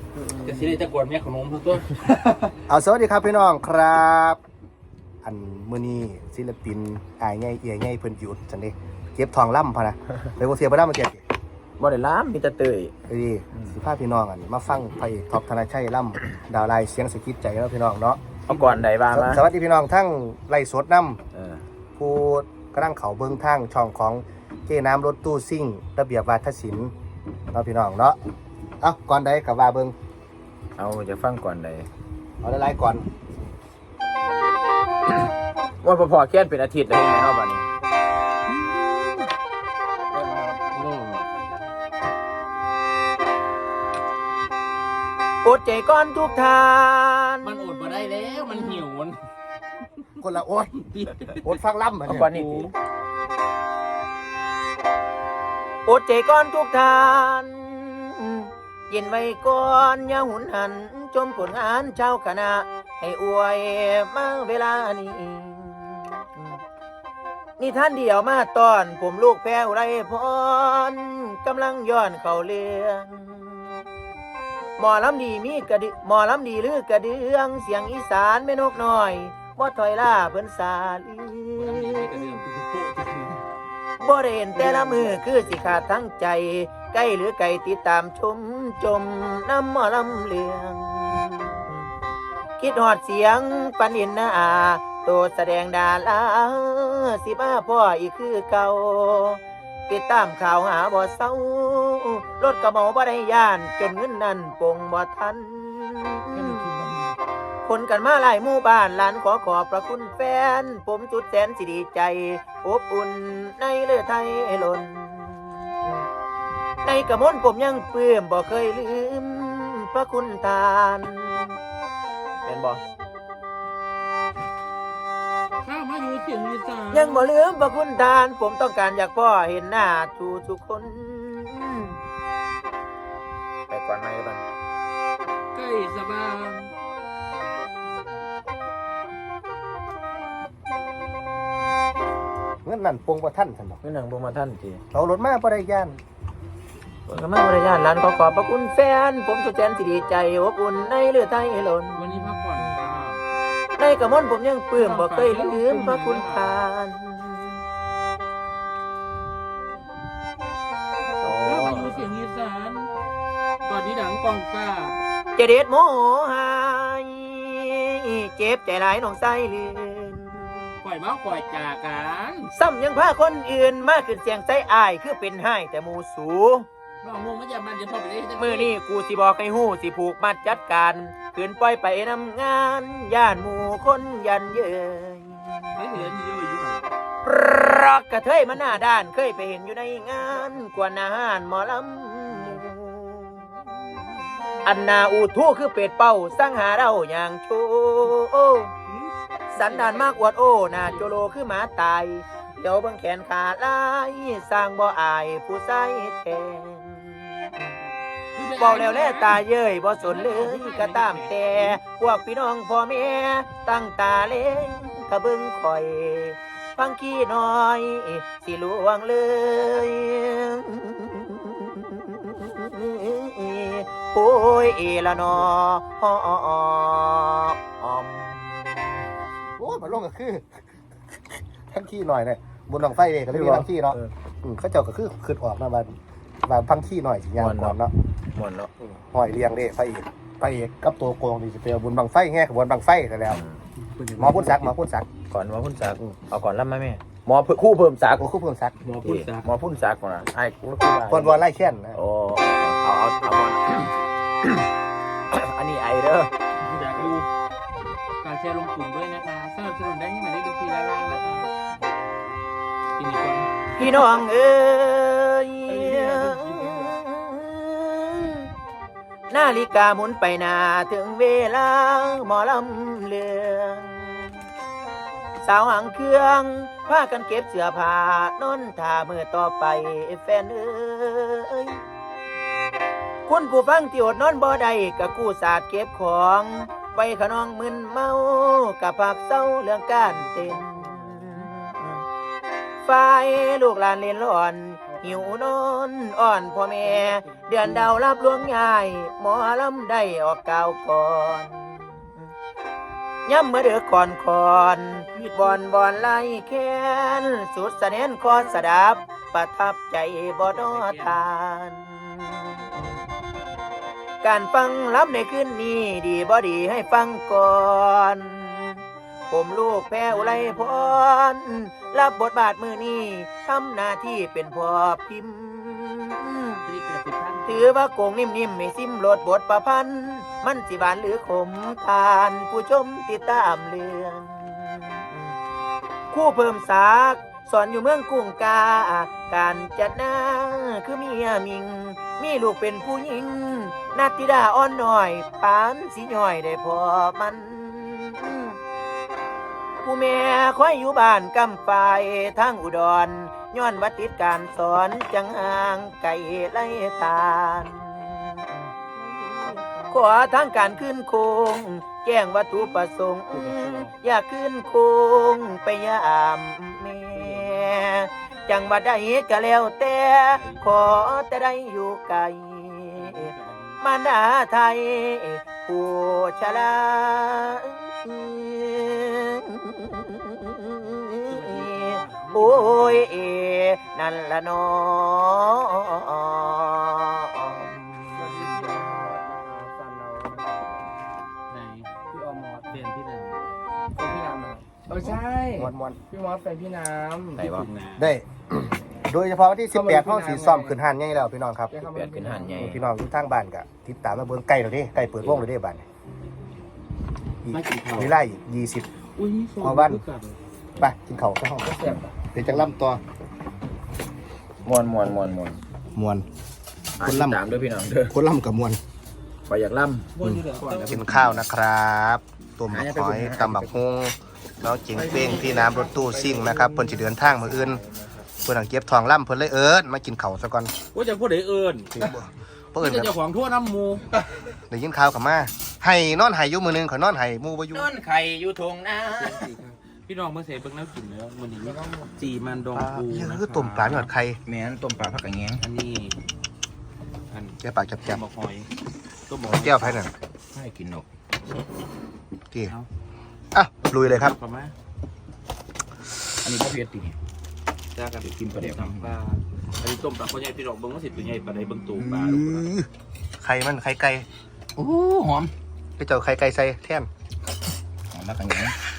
จะสิได้จะกวนแม่ขนมทั้งตัวเอาสวัสดีครับพี่น้องครับอันมื้อนี้ศิลปินอายใหญ่เอียใหญ่เพิ่นหยุดจังได๋เก็บทองล่ำพะนะเลยบ่เสียบ่ได้มาเก็บบ่ได้ล้ำมีแต่เตยเอ้ยสิพาพี่น้องอันมาฟังพระเอกท็อปธนชัยล่ำดาวลายเสียงสะกิดใจแล้วพี่น้องเนาะเอาก่อนใดบ้างมาสวัสดีพี่น้องทั้งไล่สดนํเออผู้กำลังเข้าเบิ่งทางช่องของเจ้น้ำรถตู้ซิ่งระเบียบวาทศิลป์เนาะพี่น้องเนาะเอ้าก่อนใดก็ว่าเบิ่งเอาจะฟังก่อนใดเอาหลายๆก่อนว่าพอๆเคียนเป็นอาทิตย์แล้วเนาะบัดนี้อดใจก่อนทุกทานมันอดมาได้แล้วมันหิวมันคนละโอ๊ตโอ๊ตฟังล่ำเหมือนเอากัก่อนนนี่สิอดใจก่อนทุกทานเย็นไว้ก่อนอย่าหุนหันชมผลงานเจ้าคณะให้อวยมาเวลานี้นี่ท่านเดียวมาตอนผมลูกแพ้วไรพรกำลังย้อนเข้าเรื่องหมอลำดีมีกระดึหมอลำดีหรือกระเดืองเสียงอีสานแม่นกน้อยบ่ถอยล่าเพิ่นสาลีบ่ได้เห็นแต่ละมือคือสิขาดทั้งใจใกล้หรือไกลติดตามชมจมน้ำหมอลำเลืองคิดหอดเสียงปันอินนาโตแสดงดาราสิมาพ่ออีกคือเก่าติดตามข่าวหาบ่เศร้ารถกระเมาบ่ได้ย่านจนเงินนั้นปงบ่ทันคนกันมาหลายหมู่บ้านหลานขอขอบพระคุณแฟนผมจุดแสนสิดีใจอบอุ่นในเลือไทยล้นในกระมนผมยังเปื้มบ่เคยลืมพระคุณทานเป็นบ่ข้าวมาอยู่เสียงอีสานยังบ่ลืมพระคุณทานผมต้องการอยากพ่อเห็นหน้าทุกคน ไปก่อนไหมบ้างใกล้สบายเงินนั่นปงบ่ทันซั่นดอกนี่หนังบ่มาท่านจีเอารถมาบ่ได้ย่านผมก็มาบริญาณร้านขอขอบพระคุณแฟนผมสุดแสนสิดีใจอบอุ่นในเลือดไทยล้นวันนี้พักผ่อนค่ะในกระมนผมยังปลื้มบ่เคยลืมพระคุณทานข้าวมาอยู่เสียงอีสานตอนนี้ดังกองฟ้าเจเด็ดโมโหหายเจ็บใจหลายน้องไส้เลือนปล่อยมาปล่อยจากกันซ้ำยังพาคนอื่นมาขึ้นเสียงใจอายคือเป็นให้แต่หมูสูน้องงงไม่จะมันจะพอไปได้มือนี้กูสิบอกให้หู้สิผูกมัดจัดการขืนปล่อยไปนำงานย่านหมู่คนยันเย้ยไม่เห็นเยอะอยู่รักกระเทยมันหน้าด้านเคยไปเห็นอยู่ในงานกวนอาหารหมอลำอันนาอูทู่คือเป็ดเป่าสร้างหาเราอย่างโชสันดานมากอวดโอ้หน้าโจโลคือหมาตายเดี๋ยวเบังแขนขาลายสร้างบ่อายผู้ใส่แทนบอกแล้วแลตาเย้ยบ่สนเลยก็ตามแต่พวกพี่น้องพ่อแม่ตั้งตาเล่งกะเบิ่งคอย ฟังขี้น้อยสิลวงเลยโอ้ยละนออมโอ้ยมันลงก็คือทั้งขี้หน่อยเนี่ยบนหลังไฟเลยก็เลยมีทั้งขี้เนาะเขาเจ้าก็คือขึ้นออกมาบานพังขี้หน่อยสิยางก่อนเนาะหมดแล้วหอยเรียงเด้ไฟเอกกับตัวโกงนี่สิเปลบนบังไฟแง่ขบวนบังไฟแต่แล้วหมอพุ่นซักก่อนหมอพุ่นซักเอาก่อนรับไหมแม่หมอคู่เพิ่มซักโอ้คู่เพิ่มซักหมอพูดซะหมอพุ่นซักก่อนนะไอ้กูคือคนวอนไล่เช่นนะโอ้เอาหมอนอันนี้ไอเด้ออยากดูการแชร์ลงกลุ่มด้วยนะคะสนับสนุนได้ที่หมายเลขบัญชีด้านล่างนะคะกินอีกคนพี่น้องเอ้ยนาฬิกาหมุนไปหน้าถึงเวลาหมอลำเลืองสาวหางเครื่องพากันเก็บเสื้อผ้านอนท่ามือต่อไปแฟนเอ้ยคุณผู้ฟังที่อดนอนบ่ได้กะกู้ศาสตร์เก็บของไปขนองมึนเมากะผักเศร้าเรื่องการเต้นฝ่ายลูกหลานเล่นร้อนหิวนอนอ่อนพ่อแม่เดือนดาวรับลวงยายหมอลำได้ออกกาวก่อนย้ำเมื่อเดือก่อนบอนไล่แค้นสุดแสดงคอสดับประทับใจบ่ดอทาน การฟังรับในคืนนี้ดีบ่ดีให้ฟังก่อนผมลูกแพ้อุไรพรรับบทบาทมือนี้ทำหน้าที่เป็นพ่อพิมพ์ ถือว่าโกงนิ่มๆไม่ซิมโหลดบทประพันธ์มันสิบานหรือขมทานผู้ชมติดตามเรื่องคู่เพิ่มสากสอนอยู่เมืองกุ้งกาการจัดหน้าคือเมียมิงมีลูกเป็นผู้หญิงนาติดาอ่อนหน่อยปานสิย่อยได้พอมันผู้แม่คอยอยู่บ้านกำปายทางอุดรย้อนวัดติดการสอนจังห่างไก่ไล่ทานขอทางการขึ้นโคงแจ้งวัตถุประสงค์อยากขึ้นโคงไปยามแม่จังบัดใดก็แล้วแต่ขอแต่ได้อยู่ไกลมารดาไทยผู้ชราโอ้ยนั่นละน้อไหนพี่ออมอสเปลี่ยนที่ไหนแฟนพี่น้ำนะครับใช่มวนพี่มอสแฟนพี่น้ำไหนวะๆได้ โดยเฉพาะวันที่18ห้องสีซ้อมขึ้นหันใหญ่แล้วพี่น้องครับเปลี่ยนขึ้นหันใหญ่พี่น้องที่ทางบ้านก็ติดตามมาเบิ่งใกล้แล้วเด้ใกล้เปิดวงแล้วเด้บ้านนี้อีกไม่กินข้าวมีไล่อีก20 อุ้ยเอาบ้าน ไปกินข้าวไปห้องก็เสียบเดี๋ยวจังล่ำตัวมวนมวน คนล่ำตามด้วยพี่น้องเด้อคนล่ำกับมวนขออยากล่กินข้าวนะครับต้มบักหอยตำบักฮุงแล้วจิงเป้งที่น้ำรถตู้ซิ่งนะครับเพิ่นสิเดินทางมื้ออื่นเพิ่นเก็บทองล่ำเพิ่นเลยมากินข้าวซะก่อนว่าจะพูดได้เอิญเพิ่นจะเจ้าของทั่วน้ำมูได้ยินข่าวกลับมาให้นอนให้อยู่มื้อนึงข่อยนอนให้หมู่บ่อยู่ำนอนไข่อยู่ทงนาพี่น้องเมื่อเสร็จเบิ่งแล้วกินแล้วมันนี้จีมันดองปูนะคือต้มปลาหยอดไข่แม่นต้มปลาผักกระแงงอันนี้อันแก้ปากจับบอกหอยต้มบอกๆแก้วไผนั่นให้กินนกที่อ่ะลุยเลยครับประมาณอันนี้พ่อเพียรตีจ้ากันกินปลาเดี๋ยวปลาอันนี้ต้มปลาเขาใหญ่พี่น้องเบิ่งว่าสิตัวใหญ่ปลาใดเบิ่งตูปลาไข่มันไข่ไก่โอ้หอมไปเจ้าไข่ไก่ใส่แท่นหอมผักกระแงง